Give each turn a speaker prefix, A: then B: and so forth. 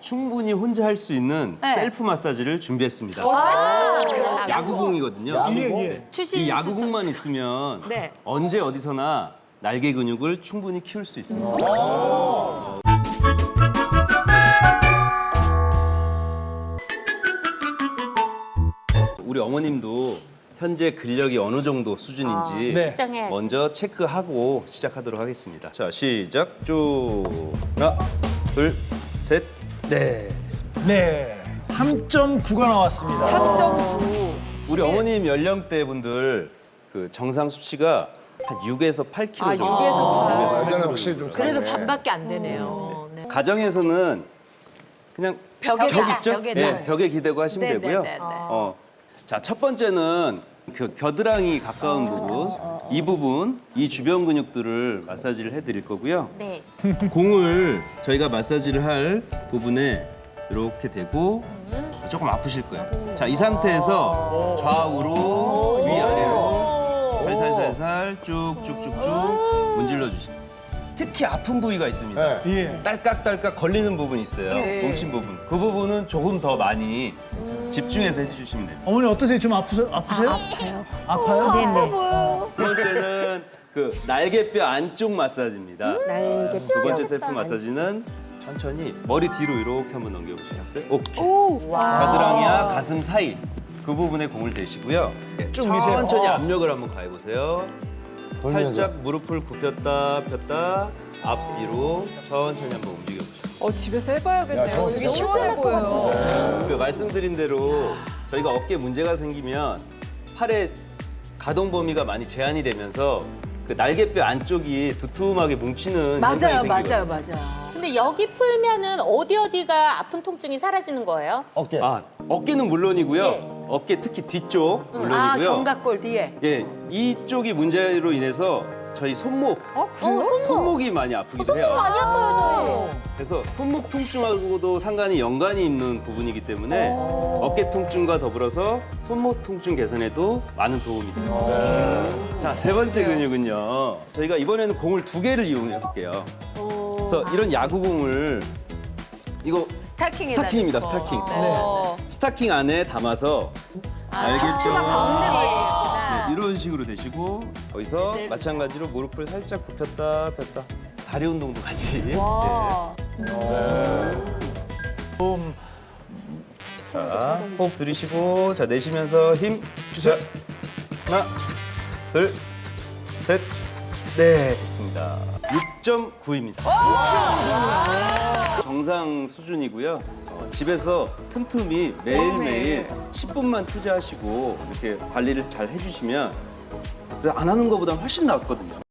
A: 충분히 혼자 할 수 있는 셀프 마사지를 준비했습니다. 야구공이거든요. 이 야구공만 있으면
B: 네.
A: 언제 어디서나 날개 근육을 충분히 키울 수 있습니다. 우리 어머님도 현재 근력이 어느 정도 수준인지
C: 측정해야지.
A: 먼저 체크하고 시작하도록 하겠습니다. 자, 시작. 쭉. 하나, 둘, 셋, 넷. 됐습니다.
D: 네. 3.9가 나왔습니다.
B: 3.9.
A: 우리 어머님 연령대 분들 그 정상 수치가 한 6에서 8kg 정도.
B: 6에서 8.
E: 예전에 확실히 좀
B: 그래도
E: 작네.
B: 반밖에 안 되네요. 네.
A: 가정에서는 그냥
B: 벽에
A: 벽
B: 다,
A: 있죠?
B: 벽에
A: 네,
B: 다.
A: 벽에 기대고 하시면
B: 네,
A: 되고요.
B: 네, 네, 네.
A: 자, 첫 번째는 그 겨드랑이 가까운 부분, 이 부분, 이 주변 근육들을 마사지를 해드릴 거고요.
C: 네.
A: 공을 저희가 마사지를 할 부분에 이렇게 대고 조금 아프실 거예요. 자, 이 상태에서 좌우로 위아래로 살살살살 쭉쭉쭉쭉 문질러 주시면 특히 아픈 부위가 있습니다.
E: 네.
D: 예.
A: 딸깍딸깍 걸리는 부분이 있어요. 뭉친 부분. 그 부분은 조금 더 많이 집중해서 해주시면 돼요.
D: 어머니 어떠세요? 좀 아프세요?
C: 아파요.
D: 아파요?
C: 네네.
A: 두 번째는 그 날개뼈 안쪽 마사지입니다. 두 번째 셀프 마사지는 천천히 머리 뒤로 이렇게 한번 넘겨보시겠어요? 오케이. 겨드랑이와 가슴 사이 그 부분에 공을 대시고요.
D: 좀 미세요.
A: 천천히 압력을 한번 가해보세요. 살짝 무릎을 굽혔다 폈다 앞뒤로 천천히 한번 움직여보시죠.
B: 집에서 해봐야겠네요. 이게 시원해 보여요.
A: 그 말씀드린 대로 저희가 어깨 문제가 생기면 팔의 가동 범위가 많이 제한이 되면서 그 날개뼈 안쪽이 두툼하게 뭉치는 현상이
B: 맞아요,
A: 생겨요.
B: 맞아요.
C: 근데 여기 풀면은 어디가 아픈 통증이 사라지는 거예요?
D: 어깨.
A: 아, 어깨는 물론이고요.
C: 예.
A: 어깨 특히 뒤쪽
B: 아,
A: 물론이고요.
B: 견갑골 뒤에.
A: 예, 이쪽이 문제로 인해서 저희 손목, 손목이 많이 아프기도 해요.
C: 많이 아파요, 저희.
A: 그래서 손목 통증하고도 상관이 연관이 있는 부분이기 때문에 어깨 통증과 더불어서 손목 통증 개선에도 많은 도움이 돼요. 자, 세 번째 근육은요. 저희가 이번에는 공을 2개를 이용해 볼게요. 그래서 이런 야구공을 이거 스타킹입니다, 스타킹. 스타킹 안에 담아서 날개뼈 네, 이런 식으로 되시고 거기서 마찬가지로 무릎을 살짝 굽혔다 폈다 다리 운동도 같이. 네. 자, 호흡 들이쉬고 자 내쉬면서 힘 주세요. 하나, 둘, 셋, 네 됐습니다. 6.9입니다. 정상 수준이고요. 집에서 틈틈이 매일매일 10분만 투자하시고 이렇게 관리를 잘 해주시면 안 하는 것보다 훨씬 낫거든요.